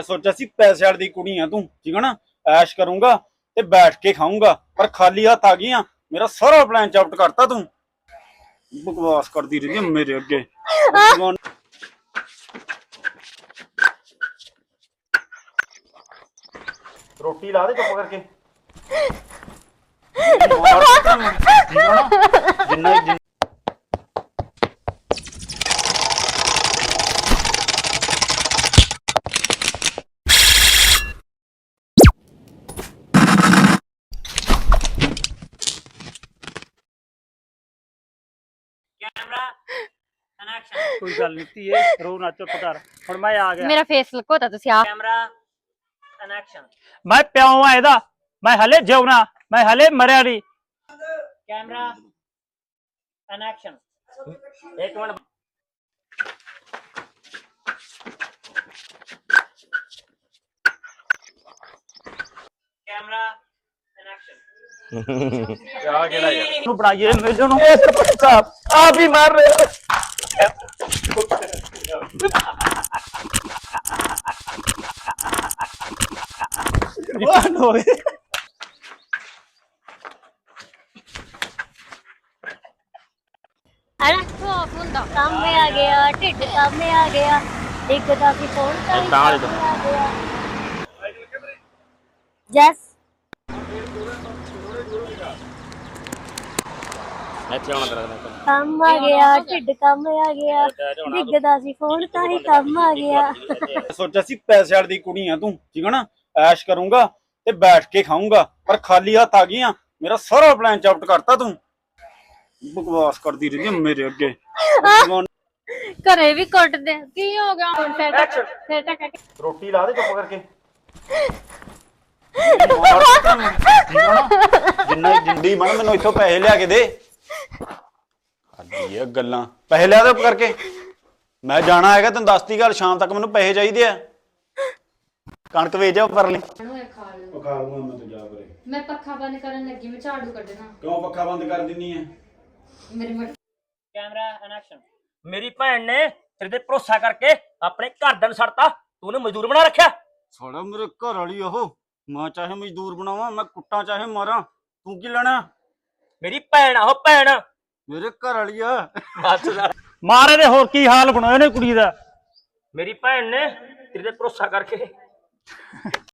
सोचा सी पैसे वाली कुड़ी है तू, ठीक है ना। ऐश करूंगा ते बैठ के खाऊंगा, पर खाली हाथ आ गई। मेरा सारा प्लान चौपट करता तू। बकवास करती रही है मेरे अगे। रोटी ला दे चुप करके। जिन्ना कोई गल नहीं धीए रो ना चुप कर हुण मैं आ गया मेरा फेस लकोता तुसी आप कैमरा एंड एक्शन मैं प्यो हां एदा मैं हले जिउना मैं हले मरिया नहीं कैमरा एंड एक्शन एक मिनट कैमरा एंड एक्शन क्या केड़ा यार नु बनाइए मेरे नु सरपंच साहब आप ही मार रहे हो रिकॉर्ड हो गए अरे खौफ हुंदा काम में आ गया ढिड काम में आ गया दिखदा सी फोन का ही काम में आ गया जस काम आ गया ढिड काम में आ गया दिखदा सी फोन का ही काम आ गया सोचा सी पैसे वाली कुड़ी है तू, ठीक है ना। ऐश करूंगा ते बैठ के खाऊंगा, पर खाली हाथ आ गई। मेरा सारा प्लान चौपट करता तू। बकवास करती रही है मेरे अगे। घरे भी कुट दे की हो गया हुण फिर तक रोटी ला दे चुप करके। जिन्ना जिंदी बन मैनू इथों पैसे लिया के दे। गल्लां पैसे लिया दे करके। मैं जाना है तेन दसती गल, शाम तक मैनू पैसे चाहिए आ। कणक वेच जा पर मैं पक्खा बंद करन लगी मैं झाड़ू कड्ढना क्यों पक्खा बंद कर दिनी है। मेरी मट कैमरा एंड एक्शन मेरी भैन ने तेरे ते भरोसा करके अपने घर दन सड़ता तूने मजदूर बना रखा साला मेरे घर वाली ओह। मैं चाहे मजदूर बनावा, मैं कुट्टा चाहे मारा, तू की लेना। मेरी भैन आहो भैन मेरे घर वाली आ। मारे दे होर की हाल बनाया ने कुड़ी दा मेरी भैन ने तेरे ते भरोसा करके